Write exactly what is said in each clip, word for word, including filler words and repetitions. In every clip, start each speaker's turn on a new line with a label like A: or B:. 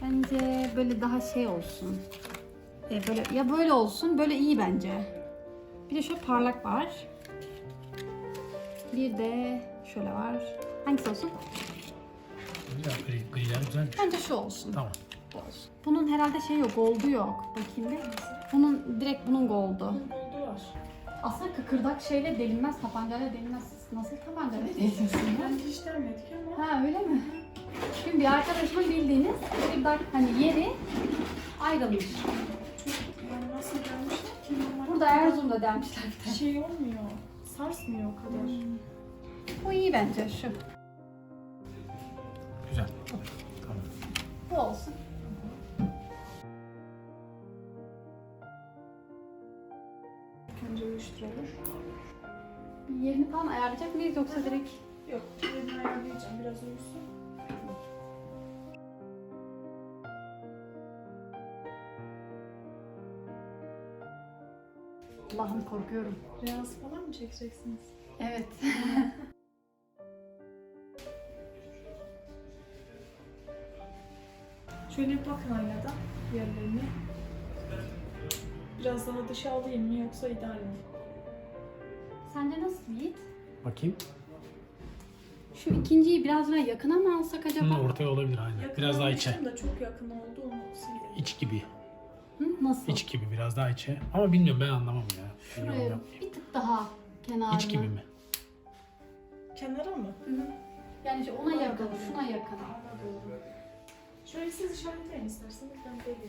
A: Bence böyle daha şey olsun. E böyle ya böyle olsun, böyle iyi bence. Bir de şöyle parlak var. Bir de şöyle var. Hangisi olsun?
B: Güzel, gri, griler güzelmiş.
A: Bence şu olsun.
B: Tamam.
A: Bu olsun. Bunun herhalde şey yok, gold'u yok. Bakayım bir. Bunun direkt bunun gold'u.
C: Oldu var.
A: Aslında kıkırdak şeyle delinmez, tabancayla delinmez. Nasıl tabancayla deliyorsun ya?
C: Bence hiç denmedik ama.
A: Ha öyle mi? Şimdi bir arkadaşımın bildiğiniz kıkırdak hani yeri ayrılmış.
C: Yani nasıl gelmişler ki? Normal
A: Burada Erzurum'da delmişler bir de.
C: şey olmuyor. Sarsmıyor o kadar.
A: Bu iyi bence şu.
B: Güzel. Tamam.
A: Bu olsun.
C: Önce uyuşturulur.
A: Yerini falan ayarlayacak mıyız yoksa direkt?
C: Yok, yerini ayarlayacağım. Biraz uyusun.
A: Allah'ım korkuyorum.
C: Reels falan mı çekeceksiniz?
A: Evet.
C: Şöyle bir bakın aynadan yerlerine. Biraz daha dışa alayım mı yoksa ideal mi?
A: Sence nasıl Yiğit?
B: Bakayım.
A: Şu ikinciyi biraz daha yakına mı alsak acaba?
B: Hı, ortaya olabilir aynen.
C: Yakın
B: Biraz daha içe.
C: almıştım da çok yakın oldu onu sildim.
B: İç gibi.
A: Hı, nasıl?
B: İç gibi biraz daha içe. Ama bilmiyorum ben anlamam ya. Ben yorum
A: Şuraya
B: yapmayayım.
A: bir tık daha kenarına.
B: İç gibi mi?
C: Kenara mı?
A: Hı hı. Yani şu ona yakın, şuna yakın.
C: Anladım. Şöyle siz işaretleyin isterseniz ben deliyim.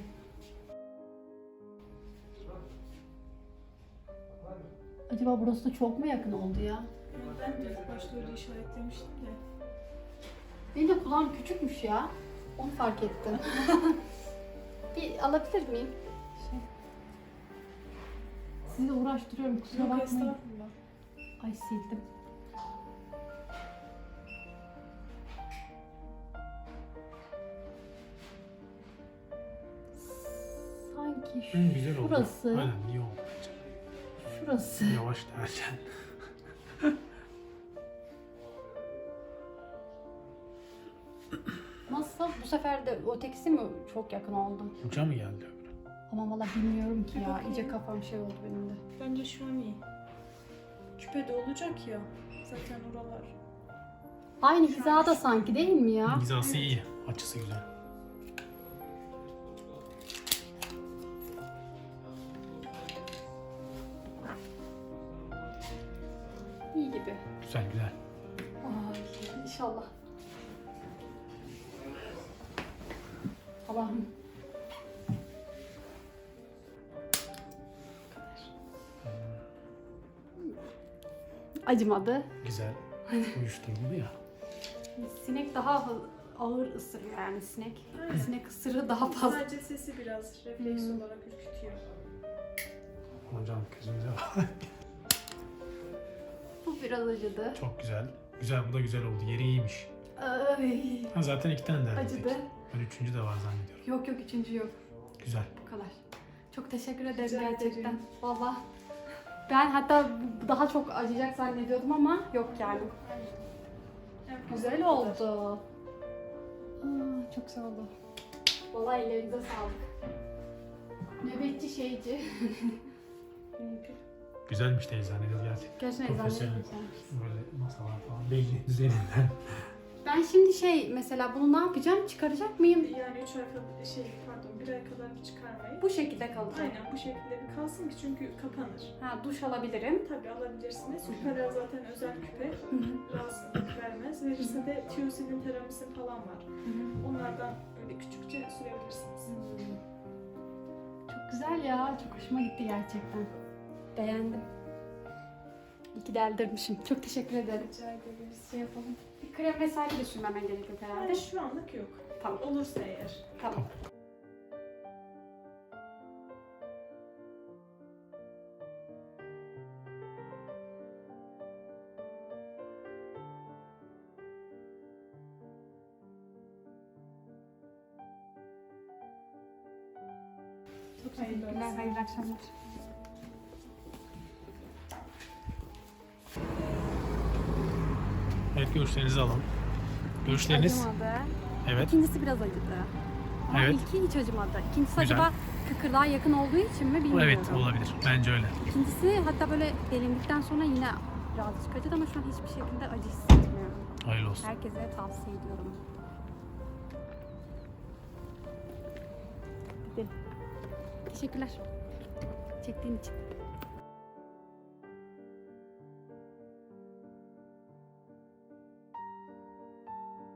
A: Acaba burası da çok mu yakın oldu ya?
C: Yani ben de ilk başta öyle işaretlemiştim de.
A: Benim de kulağım küçükmüş ya. Onu fark ettim. Bir alabilir miyim? Şey. Sizi de uğraştırıyorum kusura
C: Yok
A: bakmayın.
C: estağfurullah.
A: Ay sildim. Sanki
B: Hı, güzel oldu.
A: şurası,
B: Aynen iyi oldu.
A: şurası.
B: Yavaş derken.
A: Nasıl? Bu sefer de ötekisi mi çok yakın oldu?
B: Uca mı geldi öbürü?
A: Ama valla bilmiyorum ki
C: Bir
A: ya.
C: bakayım.
A: İyice kafam şey oldu benim de.
C: Bence şu an iyi. Küpe de olacak ya. Zaten oralar.
A: Aynı hizada sanki değil mi ya?
B: Hizası iyi. Açısı güzel.
A: İyi gibi.
B: Güzel güzel.
A: Ay inşallah. Allah'ım. Acımadı.
B: Güzel. Uyuşturuldu ya.
A: Sinek daha hı- ağır ısırıyor yani sinek.
C: Aynen.
A: Sinek ısırığı daha fazla.
C: Sadece sesi biraz refleks
A: Hmm.
C: olarak ürkütüyor.
B: Hocam gözünüze bak.
A: Bu biraz acıdı.
B: Çok güzel. Güzel bu da güzel oldu. Yeri iyiymiş.
A: Ay,
B: Ha, zaten iki tane derdik.
A: acıdı.
B: Ben üçüncü de var zannediyorum.
A: Yok yok üçüncü yok.
B: Güzel.
A: Bu kadar. Çok teşekkür ederim
C: Rica
A: gerçekten.
C: ederim.
A: Valla. Ben hatta daha çok acıyacak zannediyordum ama yok yani.
C: Evet,
A: Güzel oldu. Aa, çok sağ oldu. Valla ellerinize sağlık. Nöbetçi şeyci.
B: Güzelmiş teyze zannediyorum gerçekten.
A: Gerçekten eczane
B: Profesyonel.
A: güzelmiş.
B: Böyle masalar falan belli üzerinden.
A: Ben şimdi şey mesela bunu ne yapacağım? Çıkaracak mıyım?
C: Yani üç ay kadar, şey pardon bir ay kadar bir çıkarmayı.
A: Bu şekilde kalacak.
C: Aynen bu şekilde bir kalsın ki çünkü kapanır.
A: Ha duş alabilirim.
C: Tabii alabilirsiniz. Küpeler zaten özel küpe.
A: Hı hı.
C: Rahatsızlık vermez. Verirse de tiyosinin, teramisin falan var.
A: Hı hı.
C: Onlardan öyle küçükçe sürebilirsiniz.
A: Çok güzel ya. Çok hoşuma gitti gerçekten. Beğendim. İyi ki deldirmişim. Çok teşekkür ederim.
C: Rica ederiz.
A: Şey yapalım. Bir krem vesaire de sürmemen gerekiyor herhalde.
C: Yani şu anlık yok.
A: Tamam.
C: Olursa eğer.
A: Tamam. Çok
C: Hayırlı
A: teşekkürler.
C: olsun.
A: Hayırlı akşamlar.
B: Evet görüşlerinizi alalım. Görüşleriniz?
A: Acımadı.
B: Evet.
A: İkincisi biraz acıdı. Ama
B: Evet.
A: ilki hiç acımadı. İkincisi
B: Güzel.
A: acaba kıkırdağa yakın olduğu için mi
B: Bu
A: bilmiyorum.
B: evet olabilir. Bence öyle.
A: İkincisi hatta böyle delindikten sonra yine birazcık acıdı ama şu an hiçbir şekilde acı hissetmiyorum.
B: Hayırlı olsun.
A: Herkese tavsiye ediyorum. Gidelim. Teşekkürler. Çektiğin için.